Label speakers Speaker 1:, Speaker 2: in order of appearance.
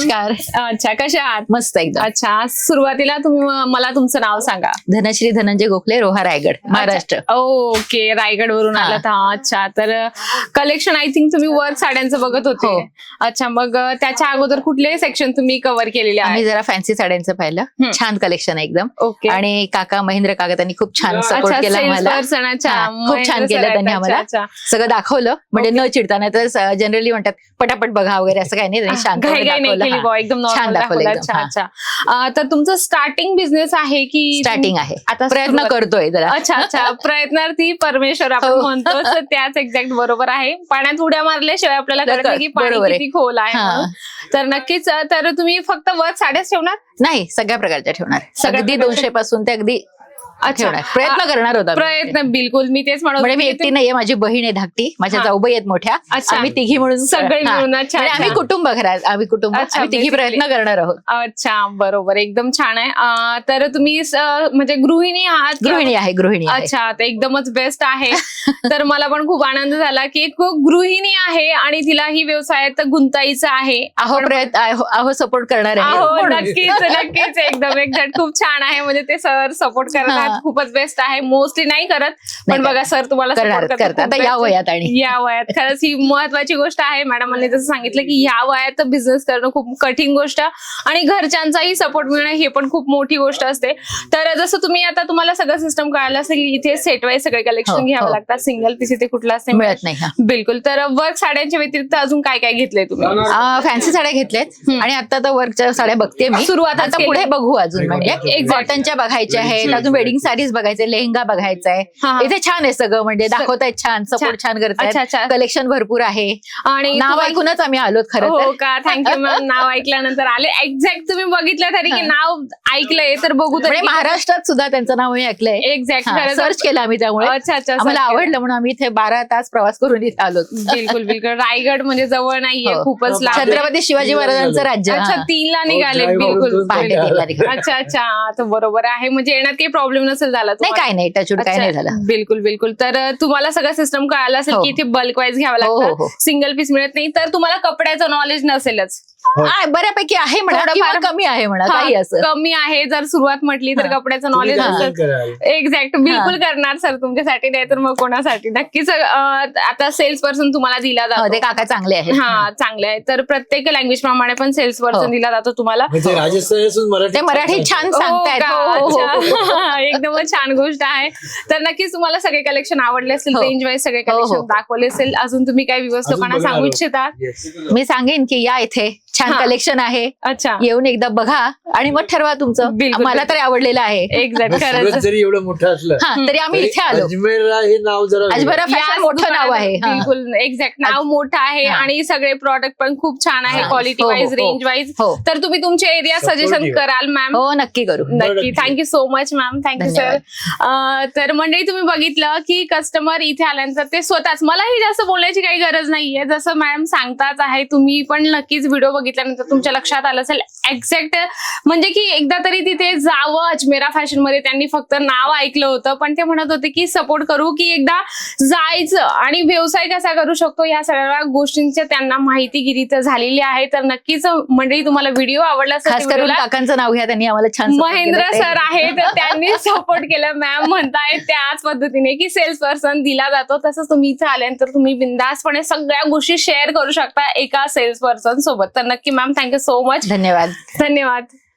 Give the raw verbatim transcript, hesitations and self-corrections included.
Speaker 1: नमस्कार.
Speaker 2: अच्छा, कशा आहात?
Speaker 1: मस्त एकदम.
Speaker 2: अच्छा, सुरुवातीला तुम्ही म- मला तुमचं नाव सांगा.
Speaker 1: धनश्री धनंजय गोखले, रोहा, रायगड, महाराष्ट्र.
Speaker 2: ओके, रायगड वरून
Speaker 1: हा.
Speaker 2: आलात. हा, अच्छा. तर कलेक्शन आय थिंक तुम्ही वर्क साड्यांचं बघत होते.
Speaker 1: हो.
Speaker 2: अच्छा, मग अ, त्याच्या अगोदर कुठले सेक्शन तुम्ही कव्हर केलेले
Speaker 1: आम्ही
Speaker 2: आहे?
Speaker 1: जरा फॅन्सी साड्यांचं पाहिलं.
Speaker 2: हम्म.
Speaker 1: छान कलेक्शन आहे एकदम.
Speaker 2: ओके.
Speaker 1: आणि काका महेंद्र काका त्यांनी खूप छान सपोर्ट
Speaker 2: अच्छा,
Speaker 1: केला
Speaker 2: sales
Speaker 1: आम्हाला.
Speaker 2: person, अच्छा.
Speaker 1: हा, खूप
Speaker 2: महेंद्र
Speaker 1: छान
Speaker 2: sir
Speaker 1: केलं
Speaker 2: आहेत.
Speaker 1: त्यांनी
Speaker 2: अच्छा,
Speaker 1: आम्हाला.
Speaker 2: अच्छा.
Speaker 1: सगळं दाखवलं म्हणजे न चिडताना तर जनरली म्हणतात पटापट बघा वगैरे असं काही नाही त्यांनी शांतपणे
Speaker 2: घाई घाई नाही
Speaker 1: दाखवलं.
Speaker 2: केली
Speaker 1: हा.
Speaker 2: बुवा, एकदम
Speaker 1: छान
Speaker 2: नॉर्मल
Speaker 1: दाखवलं
Speaker 2: दाखवलं.
Speaker 1: एकदम.
Speaker 2: अच्छा
Speaker 1: हा.
Speaker 2: अच्छा. अ, तर तुमचं स्टार्टिंग बिझनेस आहे की
Speaker 1: स्टार्टिंग आहे.
Speaker 2: आता
Speaker 1: प्रयत्न
Speaker 2: सुरुवात-
Speaker 1: करतोय जरा.
Speaker 2: अच्छा अच्छा, प्रयत्नार्थी परमेश्वर आपण
Speaker 1: हो.
Speaker 2: म्हणतो, तर त्याच एक्झॅक्ट बरोबर आहे. पाण्यात उड्या मारल्याशिवाय आपल्याला कळत नाही की पाणी
Speaker 1: बरोबर आहे.
Speaker 2: किती खोल आहे
Speaker 1: हा.
Speaker 2: म्हणून. तर नक्कीच, तर तुम्ही फक्त वर्क साड्याच ठेवणार?
Speaker 1: नाही, सगळ्या प्रकारच्या ठेवणार.
Speaker 2: सगळ्या
Speaker 1: अगदी
Speaker 2: प्रकारच्या-
Speaker 1: दोनशे पासून ते अगदी
Speaker 2: अच्छा.
Speaker 1: ठेवणार. प्रयत्न
Speaker 2: आ,
Speaker 1: करणार होता आम्ही.
Speaker 2: प्रयत्न बिलकुल, मी तेच म्हणत
Speaker 1: म्हणजे मी
Speaker 2: होते
Speaker 1: एकटी
Speaker 2: की
Speaker 1: नाहीये, माझी बहीण आहे धाकटी, माझ्या
Speaker 2: हा.
Speaker 1: जाऊबाई आहेत मोठ्या.
Speaker 2: अच्छा.
Speaker 1: आम्ही तिघी म्हणून
Speaker 2: सगळे
Speaker 1: हा.
Speaker 2: मिळून. अच्छा,
Speaker 1: म्हणजे आम्ही
Speaker 2: अच्छा.
Speaker 1: कुटुंब घरात आम्ही कुटुंब
Speaker 2: अच्छा,
Speaker 1: आम्ही तिघी
Speaker 2: basically.
Speaker 1: प्रयत्न करणार आहोत.
Speaker 2: अच्छा, बरोबर, एकदम छान आहे. अ, तर तुम्ही स- म्हणजे गृहिणी आहात की-
Speaker 1: गृहिणी आहे गृहिणी आहे.
Speaker 2: अच्छा, तर एकदमच बेस्ट आहे. तर मला पण खूप आनंद झाला की एक गृहिणी आहे आणि तिला ही व्यवसायात गुंतायचं आहे.
Speaker 1: अहो प्रयत्न अहो- अहो सपोर्ट करणार आहे.
Speaker 2: अहो,
Speaker 1: म्हणून.
Speaker 2: नक्कीच नक्कीच, एकदम एक्झॅक्ट खूप छान आहे. म्हणजे ते सर सपोर्ट करतात,
Speaker 1: हा.
Speaker 2: खूपच बेस्ट आहे. मोस्टली नाही करत, पण
Speaker 1: नाही
Speaker 2: बघा सर तुम्हाला
Speaker 1: करणार
Speaker 2: support करतात,
Speaker 1: करतात
Speaker 2: खूप
Speaker 1: आता या
Speaker 2: best.
Speaker 1: वयात आणि
Speaker 2: या वयात खरंच ही महत्वाची गोष्ट आहे. मॅडमांनी जसं सांगितलं की ह्या वयात बिझनेस करणं खूप कठीण गोष्ट आणि घरच्यांचाही सपोर्ट मिळणं हे पण खूप मोठी गोष्ट असते. तर जसं तुम्ही आता तुम्हाला सगळं सिस्टम कळालं असेल की इथे सेट वाईज सगळे
Speaker 1: हो,
Speaker 2: कलेक्शन घ्यावं
Speaker 1: हो.
Speaker 2: लागतात, सिंगल पीस इथे कुठलाच नाही
Speaker 1: मिळत नाही. हा.
Speaker 2: बिलकुल. तर वर्क साड्यांच्या व्यतिरिक्त अजून काय काय घेतलंय तुम्ही?
Speaker 1: फॅन्सी साड्या घेतल्यात आणि आता तर वर्कच्या साड्या बघते मी.
Speaker 2: सुरुवातच
Speaker 1: आता
Speaker 2: केली.
Speaker 1: पुढे बघू अजून म्हणजे
Speaker 2: Exactly.
Speaker 1: कॉटनच्या बघायच्या आहेत, अजून वेडिंग साडीज बघायचे, लेहंगा बघायचा आहे.
Speaker 2: हा, हा.
Speaker 1: इथे छान आहे सगळं म्हणजे दाखवतायत छान, सपोर्ट छान
Speaker 2: अच्छा,
Speaker 1: करतायत,
Speaker 2: अच्छा.
Speaker 1: कलेक्शन भरपूर आहे.
Speaker 2: आणि
Speaker 1: नाव
Speaker 2: तुम्हाला-
Speaker 1: ऐकूनच आम्ही आलोत खरं
Speaker 2: हो
Speaker 1: तर.
Speaker 2: का, थँक्यू मॅम. नाव ऐकल्यानंतर आले. एक्झॅक्ट तुम्ही बघितलं तरी की नाव ऐकलंय तर बघू
Speaker 1: म्हणजे महाराष्ट्रात सुद्धा त्यांचं नाव मी ऐकलंय.
Speaker 2: एक्झॅक्ट
Speaker 1: सर्च केलं आम्ही त्यामुळे
Speaker 2: अच्छा अच्छा,
Speaker 1: आम्हाला
Speaker 2: search केलं.
Speaker 1: आवडलं म्हणून आम्ही इथे बारा तास प्रवास करून इथे आलो.
Speaker 2: बिलकुल बिलकुल. रायगड म्हणजे जवळ नाहीये,
Speaker 1: हो.
Speaker 2: खूपच लांब आहे.
Speaker 1: छत्रपती शिवाजी महाराजांचं राज्य.
Speaker 2: अच्छा,
Speaker 1: हा.
Speaker 2: तीनला निघाले.
Speaker 3: drive
Speaker 2: बिलकुल
Speaker 3: आवडतो.
Speaker 1: पहाटे तीनला निघाले.
Speaker 2: अच्छा अच्छा, तर बरोबर आहे. म्हणजे येण्यात काही प्रॉब्लेम नसेल झाला
Speaker 1: नाही
Speaker 2: तुम्हाला?
Speaker 1: काय नाही टचूड काय नाही झालं.
Speaker 2: बिलकुल बिलकुल. तर अ, तुम्हाला सगळं सिस्टम कळालं असेल
Speaker 1: हो.
Speaker 2: की इथे बल्क वाईज घ्यावं
Speaker 1: हो, हो,
Speaker 2: लागतं,
Speaker 1: हो.
Speaker 2: सिंगल पीस मिळत नाही, तर तुम्हाला कपड्याचं नॉलेज नसेलच.
Speaker 1: आ, बऱ्यापैकी आहे म्हणा
Speaker 2: थोडंफार-
Speaker 1: किंवा कमी आहे म्हणा
Speaker 2: हा,
Speaker 1: काही असं.
Speaker 2: कमी आहे. जर सुरुवात म्हटली तर
Speaker 1: हा.
Speaker 2: कपड्याचं नॉलेज
Speaker 1: हा.
Speaker 2: असेल. एक्झॅक्ट, बिलकुल करणार सर तुमच्यासाठी, नाही तर मग कोणासाठी. नक्कीच. अ, आता सेल्स पर्सन तुम्हाला दिला
Speaker 1: हो, ते
Speaker 2: जातो.
Speaker 1: काका चांगले आहेत.
Speaker 2: हा, चांगले आहे. तर प्रत्येक लँग्वेज प्रमाणे पण सेल्स पर्सन
Speaker 1: हो.
Speaker 2: दिला जातो तुम्हाला.
Speaker 3: म्हणजे राजस्थान असून मराठी
Speaker 1: ते मराठी छान
Speaker 2: हो
Speaker 1: सांगतायत.
Speaker 2: का?
Speaker 1: हो, हो, हो.
Speaker 2: अच्छा. एकदमच छान गोष्ट आहे. तर नक्कीच तुम्हाला सगळे कलेक्शन आवडले असेल,
Speaker 1: हो.
Speaker 2: रेंज वाईज सगळे
Speaker 1: हो, हो.
Speaker 2: कलेक्शन दाखवले असेल. अजून तुम्ही काय व्ह्यूअर्स
Speaker 3: अजून
Speaker 2: लोकांना
Speaker 3: बघणार
Speaker 2: सांगू
Speaker 3: आहोत.
Speaker 2: इच्छिता?
Speaker 3: Yes.
Speaker 1: मी सांगेन की या इथे छान
Speaker 2: हा.
Speaker 1: कलेक्शन आहे,
Speaker 2: अच्छा,
Speaker 1: येऊन एकदा बघा आणि मग ठरवा तुमचं.
Speaker 2: बिलकुल,
Speaker 1: मला
Speaker 2: बिलकुल.
Speaker 1: तरी आवडलेलं आहे.
Speaker 2: एक्झॅक्ट,
Speaker 3: सुरत
Speaker 2: खरंच.
Speaker 3: जरी एवढं मोठं असलं
Speaker 1: हा तरी आम्ही
Speaker 3: तरी
Speaker 1: इथे आलो.
Speaker 3: अजमेरला हे नाव जरा
Speaker 1: अजमेरा
Speaker 2: याच
Speaker 1: फॅशन मोठं नाव
Speaker 2: दुकानात
Speaker 1: आहे. हा.
Speaker 2: बिलकुल एक्झॅक्ट, नाव मोठं आहे
Speaker 1: हा.
Speaker 2: आणि सगळे प्रॉडक्ट पण खूप छान आहे,
Speaker 3: हा.
Speaker 2: क्वालिटी
Speaker 1: हो, हो,
Speaker 2: वाईज,
Speaker 1: हो.
Speaker 2: Range wise.
Speaker 1: हो
Speaker 2: तर तुम्ही तुमचे एरिया
Speaker 3: Supportive.
Speaker 2: सजेशन कराल मॅम?
Speaker 1: हो नक्की करू.
Speaker 2: नक्की.
Speaker 3: नक्की.
Speaker 2: Thank you so much ma'am. Thank you sir.
Speaker 1: धन्यवाद.
Speaker 2: तर मंडळी, तुम्ही बघितलं की कस्टमर इथे आल्यानंतर ते स्वतःच, मलाही जास्त बोलण्याची काही गरज नाहीये, जसं मॅम सांगताच आहे. तुम्ही पण नक्कीच व्हिडिओ बघितल्यानंतर तुमच्या लक्षात आलं असेल एक्झॅक्ट, म्हणजे की एकदा तरी तिथे जावं. अजमेरा फॅशन मध्ये त्यांनी फक्त नाव ऐकलं होतं, पण ते म्हणत होते की सपोर्ट करू, की एकदा जायचं आणि व्यवसाय कसा करू शकतो या सगळ्या गोष्टींची त्यांना माहितीगिरी तर झालेली आहे. तर नक्कीच मंडळी, तुम्हाला व्हिडिओ आवडला असेल
Speaker 1: खास
Speaker 2: तर
Speaker 1: करून
Speaker 2: व्हिडिओला-
Speaker 1: काकांचं नाव घ्या, त्यांनी आम्हाला छान support
Speaker 2: महेंद्र
Speaker 1: केलं.
Speaker 2: सर आहेत, त्यांनी सपोर्ट केलं. मॅम म्हणतायत त्याच पद्धतीने की सेल्स पर्सन दिला जातो, तसंच तुम्ही इथे आल्यानंतर तुम्ही बिंदासपणे सगळ्या गोष्टी शेअर करू शकता एका सेल्स पर्सन सोबत. तर नक्की मॅम, थँक्यू सो मच.
Speaker 1: धन्यवाद.
Speaker 2: धन्यवाद.